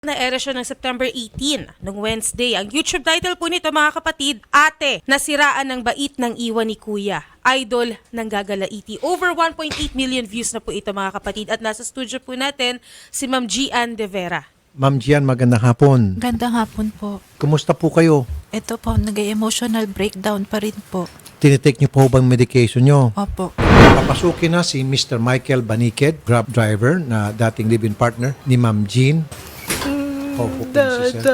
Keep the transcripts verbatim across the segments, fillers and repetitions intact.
Na-era siya ng September eighteen, nung Wednesday. Ang YouTube title po nito, mga kapatid, Ate, nasiraan ng bait ng iwan ni Kuya. Idol ng Gagalaiti. Over one point eight million views na po ito, mga kapatid. At nasa studio po natin si Ma'am Gian De Vera. Ma'am Gian, magandang hapon. Gandang hapon po. Kumusta po kayo? Ito po, nag-emotional breakdown pa rin po. Tinitake niyo po bang medication niyo? Opo. Papasukin na si Mister Michael Baniked, Grab driver na dating live-in partner ni Ma'am Jean. Opo po si Sir.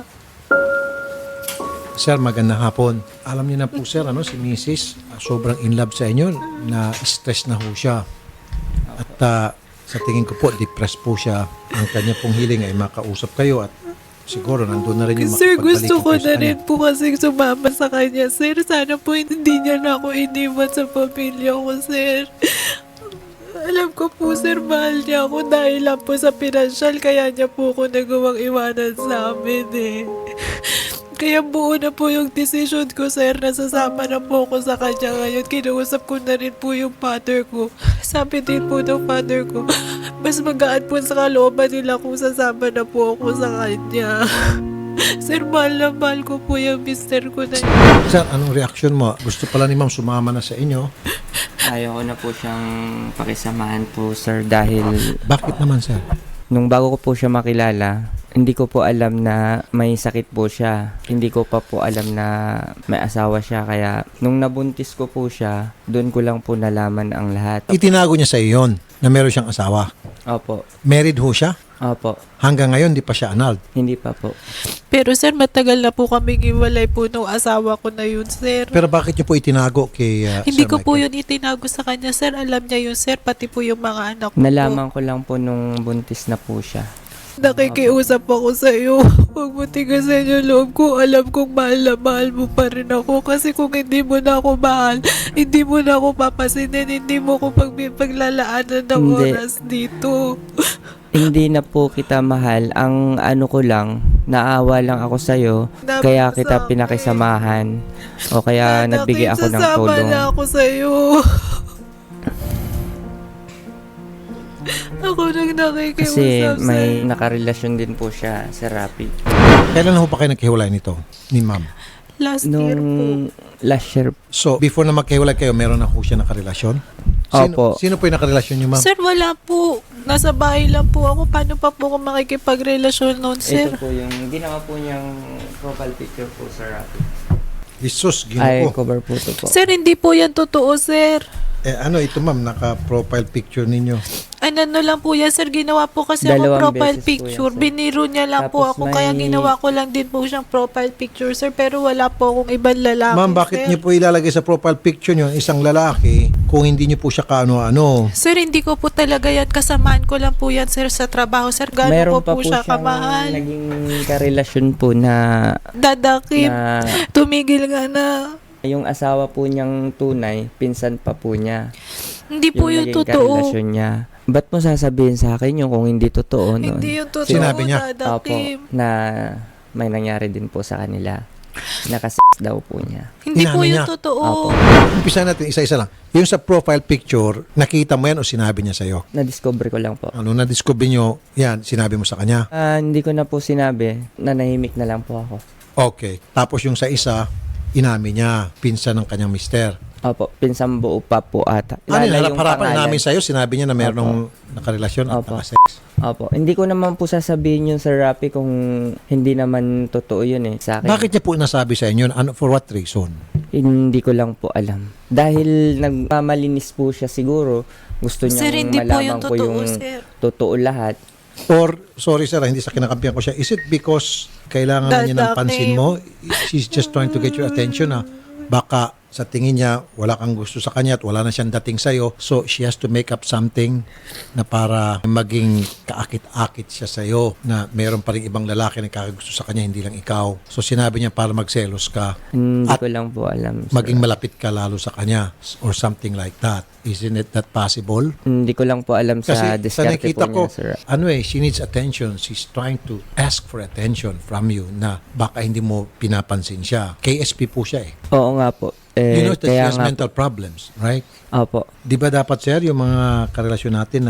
Sir, magandang hapon. Alam niyo na po sir, ano, si Missus uh, sobrang in love sa inyo, na stress na ho siya. At uh, sa tingin ko po, depressed po siya. Ang kanya pong hiling ay makausap kayo at siguro nandun na rin yung Sir, gusto ko makipagbalikod na sa rin kanya. po kasi sumama sa kanya. Sir, sana po hindi niya na ako iniwan sa pamilya ko, sir. Alam ko po, sir, mahal niya ako dahil lang po sa pinansyal. Kaya niya po ako nagawang iwanan sa amin eh. Kaya buo na po yung decision ko, sir, na sasama na po ako sa kanya ngayon. Kinausap ko na rin po yung father ko. Sabi din po ng father ko, mas magaan po sa kalooban nila kung sasama na po ako sa kanya. Sir, mahal na mahal ko po yung mister ko na yun. Sir, anong reaksyon mo? Gusto pala ni Ma'am sumama na sa inyo. Ayaw ko na po siyang pakisamahan po, sir, dahil Bakit naman, sir? nung bago ko po siya makilala, hindi ko po alam na may sakit po siya. Hindi ko pa po alam na may asawa siya. Kaya nung nabuntis ko po siya, doon ko lang po nalaman ang lahat. Itinago niya sa iyo yun na meron siyang asawa. Opo. Married ho siya? Opo. Hanggang ngayon, di pa siya annulled. Hindi pa po. Pero sir, matagal na po kaming iwalay po nung asawa ko na yun, sir. Pero bakit niyo po itinago kay uh, Hindi Sir ko po Michael? yun itinago sa kanya, sir. Alam niya yun, sir. Pati po yung mga anak ko. Nalaman ko lang po nung buntis na po siya. Nakikiusap ako sa iyo. Huwag mo tigasan yung loob ko. Alam kong mahal na mahal mo pa rin ako. Kasi kung hindi mo na ako mahal, hindi mo na ako papasinin. Hindi mo ko pag paglalaanan ng Hindi. oras dito. Hindi na po kita mahal. Ang ano ko lang, naawa lang ako sa'yo. Dapat Kaya sa kita akin. pinakisamahan. O kaya nagbigay ako ng Sasama tulong. na ako sa iyo. Ako nang nakikiusap, Kasi sir. may nakarelasyon din po siya sa Rappi. Kailan ho pa kayo nagkahiwalay nito ni Ma'am? Last year po. Nung last year, So, before na magkahiwalay kayo, meron na ho siya nakarelasyon? Sino, Opo. sino po yung nakarelasyon niyo, Ma'am? Sir, wala po. Nasa bahay lang po ako. Paano pa po ako makikipagrelasyon noon, sir? ito po yung ginawa po niyang profile picture po sa Rappi. Jesus, Ay, ginoo. cover po ito po. Sir, hindi po yan totoo, sir. Eh, ano ito, Ma'am? Naka-profile picture ninyo. Ano ano lang po yan, sir. Ginawa po kasi ako Dalawang profile beses po picture. yan, sir. Biniro niya lang po Tapos ako. Kaya may- ginawa ko lang din po siyang profile picture, sir. Pero wala po akong ibang lalaki, Ma'am, bakit sir. niyo po ilalagay sa profile picture niyo isang lalaki kung hindi niyo po siya kaano-ano? Sir, hindi ko po talaga yan. Kasamaan ko lang po yan, sir, sa trabaho. Sir, gano'n Meron ko pa po po siya siyang kamahal. naging karelasyon po na, Dadakip. na Tumigil nga na. yung asawa po niyang tunay, pinsan pa po niya. Hindi po yung yung naging totoo. karelasyon niya. Ba't mo sasabihin sa akin yung kung hindi totoo nun? Hindi yung totoo. Sinabi niya? Opo, Dadakip. na may nangyari din po sa kanila. Nakas daw po niya. Hindi po Inamin yung niya? totoo. Opo. Umpisa natin isa-isa lang. Yung sa profile picture, nakita mo yan o sinabi niya sa'yo? Na-discover ko lang po. Ano na-discover niyo, yan, sinabi mo sa kanya? Ah, hindi ko na po sinabi. Nanahimik na lang po ako. Okay. Tapos yung sa isa, inamin niya, pinsan ng kanyang mister. Opo, pinsang buo pa po ata. Ano Lala yun, yung harap-harapan pangalan. namin sa'yo, sinabi niya na mayroong nakarelasyon at Opo. nakasex. Opo, hindi ko naman po sasabihin yun sa Rappi kung hindi naman totoo yun eh sa akin. Bakit niya po nasabi sa inyo? Ano, for what reason? Hindi ko lang po alam. Dahil nagmamalinis po siya siguro. Gusto niyang Sir, hindi po malaman yung ko totoo, yung sir. totoo lahat. Or, sorry sir, hindi sa kinakampihan ko siya. Is it because kailangan na niya ng Dadakip. pansin mo? She's just trying to get your attention na baka sa tingin niya wala kang gusto sa kanya at wala na siyang dating sa'yo. So, she has to make up something na para maging kaakit-akit siya sa'yo na meron pa rin ibang lalaki na kakagusto sa kanya, hindi lang ikaw. So, sinabi niya para magselos ka, Hindi At ko lang po alam. sir. maging malapit ka lalo sa kanya or something like that. Isn't it that possible? Hindi ko lang po alam Kasi sa sa diskarte nakita po ko, niya, sir. ano eh, she needs attention. She's trying to ask for attention from you na baka hindi mo pinapansin siya. K S P po siya eh. Oo nga po. Eh, You know that she kaya has nga mental problems, right? po. Opo. Di ba dapat, sir, yung mga karelasyon natin na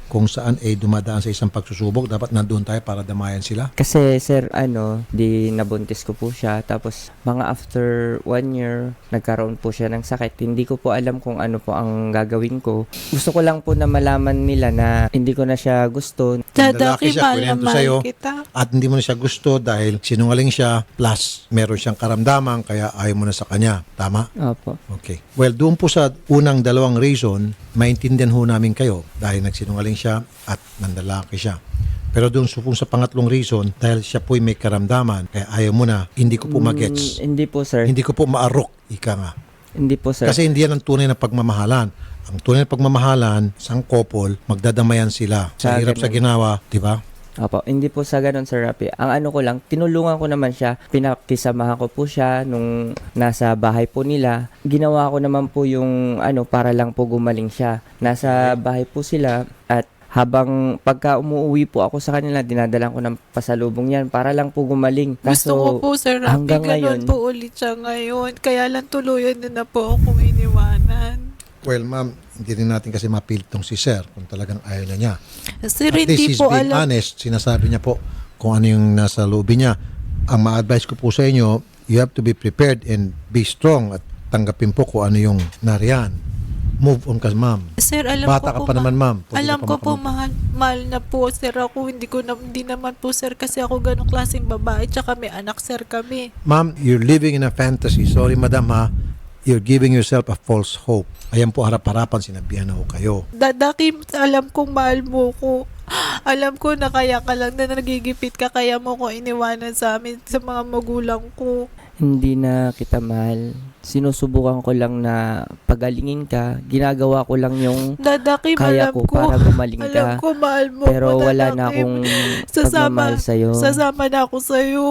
kung saan ay dumadaan sa isang pagsusubok, dapat nandun tayo para damayan sila. Kasi sir, ano, di nabuntis ko po siya. Tapos mga after one year, nagkaroon po siya ng sakit. Hindi ko po alam kung ano po ang gagawin ko. Gusto ko lang po na malaman nila na hindi ko na siya gusto. Dadaki, Lalaki siya, mahal na kwento mahal sa'yo. kita. At hindi mo na siya gusto dahil sinungaling siya plus meron siyang karamdaman kaya ayaw mo na sa kanya. Tama? Opo. Okay. Well, doon po sa unang dalawang reason, maintindihan ho namin kayo dahil nagsinungaling siya at nandalaki siya. Pero doon so, kung sa pangatlong reason, dahil siya po'y may karamdaman, kaya ayaw mo na, hindi ko po magets. Mm, hindi po sir. Hindi ko po maarok, ika nga. Hindi po sir. Kasi hindi yan ang tunay na pagmamahalan. Ang tunay na pagmamahalan, sang couple, magdadamayan sila. Sa Sa hirap sa ganun. ginawa, di ba? Opo, hindi po sa ganun Sir Rapi. Ang ano ko lang, tinulungan ko naman siya. Pinakisamahan ko po siya nung nasa bahay po nila. Ginawa ko naman po yung ano para lang po gumaling siya. Nasa bahay po sila at habang pagka umuwi po ako sa kanila, dinadalan ko ng pasalubong yan para lang po gumaling. Gusto ko po, Sir Rafi, hanggang ganun ngayon- po ulit siya ngayon. Kaya lang tuluyan na na po akong iniwanan. Well, ma'am, hindi rin natin kasi mapilit tong si Sir kung talagang ayaw na niya. Sir, At least hindi he's po being alam. honest. Sinasabi niya po kung ano yung nasa loob niya. Ang ma-advise ko po sa inyo, you have to be prepared and be strong at tanggapin po kung ano yung nariyan. Move on ka, ma'am. Sir, alam Bata ko ka po, pa ma- naman, ma'am. Pwede alam ka pa ko po, makamove. mahal, mahal na po, Sir, ako. Hindi ko na, hindi naman po, Sir, kasi ako ganong klaseng babae. Tsaka may anak, Sir, kami. Ma'am, you're living in a fantasy. Sorry, madam, ha. You're giving yourself a false hope. Ayan po, harap-harapan, sinabihan na ho kayo. Dadaki, alam kong mahal mo ko. Alam ko na kaya ka lang na nagigipit ka, kaya mo ko iniwanan sa amin, sa mga magulang ko. Hindi na kita mahal. Sinusubukan ko lang na pagalingin ka. Ginagawa ko lang yung Dadaki, kaya alam ko ko. para gumaling Alam ka. ko, mahal mo Pero ko, wala na Dadaki. akong Sasama, pagmamahal sa'yo. sasama na ako sa'yo.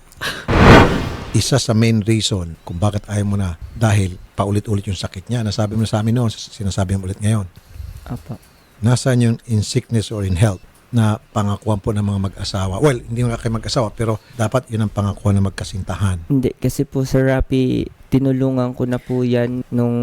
Isa sa main reason kung bakit ayaw mo na dahil paulit-ulit yung sakit niya. Nasabi mo na sa amin noon, sinasabi mo ulit ngayon. Opo. Nasaan yung in sickness or in health na pangakuan po ng mga mag-asawa? Well, hindi mga kayo mag-asawa, pero dapat yun ang pangakuan ng magkasintahan. Hindi, kasi po Sir Rapi, tinulungan ko na po yan nung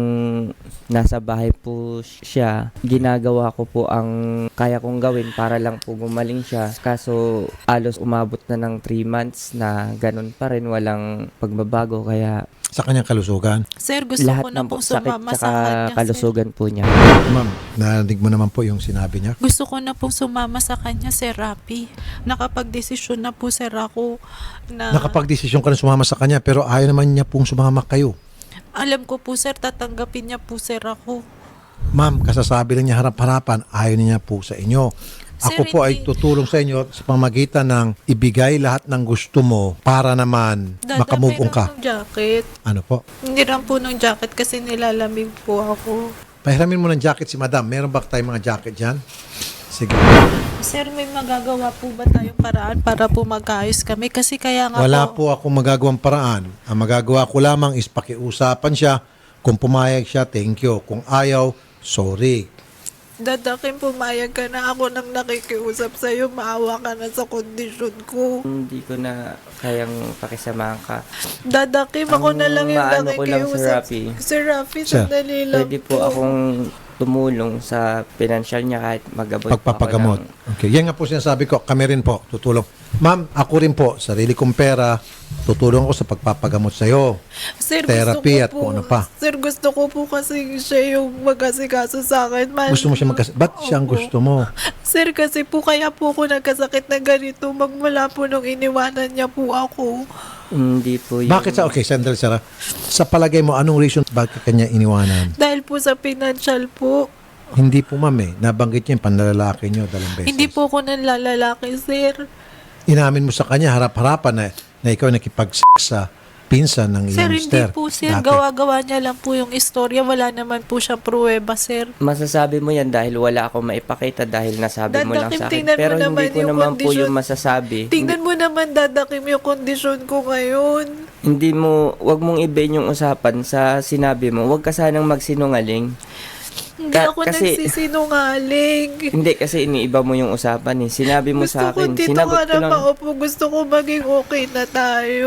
nasa bahay po siya. Ginagawa ko po ang kaya kong gawin para lang po gumaling siya. Kaso alos umabot na ng three months na ganun pa rin, walang pagbabago. Kaya Sa kanyang kalusugan. Sir, gusto lahat ko na ng pong sakit sumama tsaka sa kanya, Sir. kalusugan po niya. Ma'am, narinig mo naman po yung sinabi niya. Gusto ko na pong sumama sa kanya, Sir Rapi. Nakapag-desisyon na po, Sir, ako na... Nakapag-desisyon ka na sumama sa kanya, pero ayaw naman niya pong sumama kayo. Alam ko po, Sir, tatanggapin niya po, Sir, ako. Ma'am, kasasabi lang niya harap-harapan, ayaw niya po sa inyo. Ako Sir, po ay hindi- tutulong sa inyo sa pamagitan ng ibigay lahat ng gusto mo para naman Dadaki makamove on lang ka. ng jacket. Ano po? Hindi lang po ng jacket kasi nilalamig po ako. Pahiramin mo ng jacket si madam. Meron ba tayong mga jacket dyan? Sige. Sir, may magagawa po ba tayong paraan para po magkaayos kami? Kasi kaya nga Wala po... po akong magagawang paraan. Ang magagawa ko lamang is pakiusapan siya. Kung pumayag siya, thank you. Kung ayaw, sorry. Dadaking pumayag ka na ako nang nakikiusap sa'yo, maawa ka na sa kondisyon ko. Hindi ko na kayang pakisamahan ka. Dadakim ako Ang na lang yung maano ko lang, Sir nakikiusap. Rafi. Sir Rafi, Sir, sandali lang Pwede po akong tumulong sa financial niya kahit magabot Pagpapagamot. po ako ng- Okay. Yan nga po sinasabi ko. Kami rin po, tutulong. Ma'am, ako rin po, sarili kong pera, tutulong ako sa pagpapagamot sa'yo. Sir, Therapy gusto ko at po, kung ano pa. Sir, gusto ko po kasi siya yung magkasikaso sa akin. Mahal Gusto mo siya magkas... Ba't siya ang Opo. gusto mo? Sir, kasi po kaya po ako nagkasakit na ganito magmula po nung iniwanan niya po ako. Hindi po yung... Bakit sa... Okay, sandali, Sarah. Sa palagay mo, anong reason bakit kanya iniwanan? Dahil po sa financial po. Hindi po, ma'am eh. Nabanggit niyo yung panlalaki niyo dalawang beses. Hindi po ako nanlalalaki, sir. Inamin mo sa kanya, harap-harapan na, na ikaw nakipag sa pinsan ng Sir, iyong hindi mister. po, sir. dati. Gawa-gawa niya lang po yung istorya. Wala naman po siyang pruweba, sir. Masasabi mo yan dahil wala akong maipakita dahil nasabi mo lang Dadakim, sa akin. tingnan mo Pero naman hindi ko yung naman po kondisyon. yung masasabi. Tingnan mo naman, dadakim yung kondisyon ko ngayon. Hindi mo, wag mong ibayin yung usapan sa sinabi mo. Wag ka sanang magsinungaling. Hindi Ka- ako kasi- nagsisinungaling. Hindi kasi iniiba mo yung usapan eh. Sinabi mo Gusto sa ko akin. dito Sinagot ka ko na lang. maupo. Gusto ko maging okay na tayo.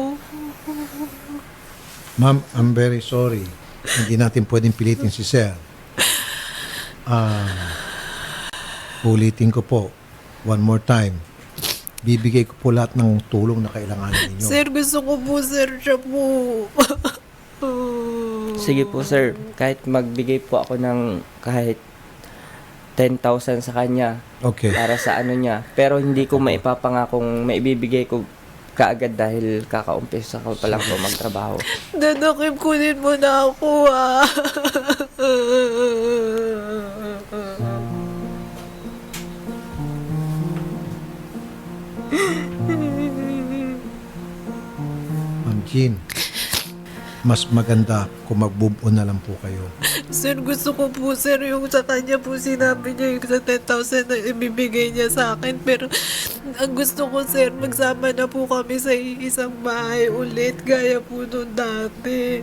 Ma'am, I'm very sorry. Hindi natin pwedeng pilitin si Sir. Ah, Ulitin ko po, one more time. Bibigay ko po lahat ng tulong na kailanganin ninyo. Sir, gusto ko po, sir, siya po. Sige po sir, kahit magbigay po ako ng kahit ten thousand sa kanya Okay. para sa ano niya. Pero hindi ko maipapangakong maibibigay ko kaagad dahil kakaumpisa ko pa lang po magtrabaho. Dadakip, kunin mo na ako, ah. Ma'am Jean, mas maganda kung mag-move on na lang po kayo. Sir, gusto ko po, sir, yung sa kanya po sinabi niya yung sa ten thousand na ibibigay niya sa akin. Pero ang gusto ko, sir, magsama na po kami sa isang bahay ulit, gaya po nung dati.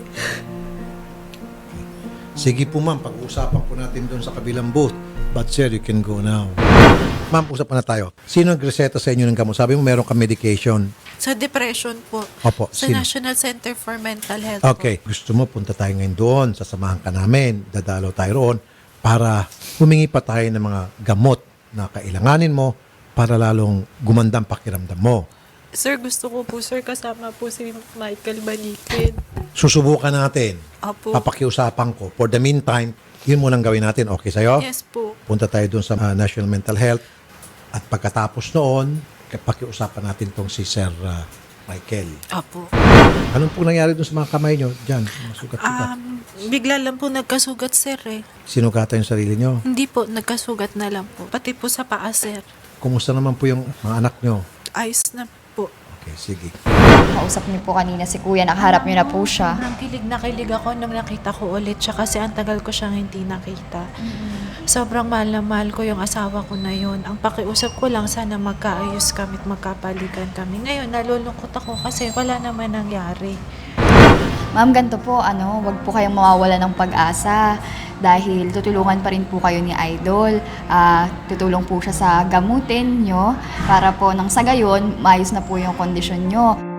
Sige po ma'am, pag-uusapan po natin doon sa kabilang booth. But sir, you can go now. Ma'am, usapan na tayo. Sino nagreseta sa inyo ng gamot? Sabi mo meron ka medication. Sa depression po. Opo, Sa sino? National Center for Mental Health Okay, gusto mo punta tayo ngayon doon, sasamahan ka namin, dadalaw tayo roon para humingi pa tayo ng mga gamot na kailanganin mo para lalong gumanda ang pakiramdam mo. po. Sir, gusto ko po, sir, kasama po si Michael Balikin. Susubukan natin. Opo. Papakiusapan ko. For the meantime, yun mo lang gawin natin. Okay sa'yo? Yes po. Punta tayo doon sa uh, National Mental Health at pagkatapos noon, pakiusapan natin tong si Sir uh, Michael. Opo. Anong po nangyari doon sa mga kamay nyo? Diyan, masugat-sugat. Um, bigla lang po nagkasugat, sir, eh. Sinugatan yung sarili nyo. Hindi po, nagkasugat na lang po. Pati po sa paa, sir. Kumusta naman po yung mga anak nyo? Ayos na po. Okay, sige. Kausap niyo po kanina si Kuya, nakaharap niyo na po siya. Sobrang kilig na kilig ako nung nakita ko ulit siya kasi ang tagal ko siyang hindi nakita. Sobrang mahal na mahal ko yung asawa ko na yun. Ang pakiusap ko lang, sana magkaayos kami at magkapalikan kami. Ngayon, nalulungkot ako kasi wala naman nangyari. Ma'am, ganito po, ano, wag po kayong mawawala ng pag-asa dahil tutulungan pa rin po kayo ni Idol. Ah, tutulong po siya sa gamutin nyo para po nang sa gayon, maayos na po yung kondisyon nyo.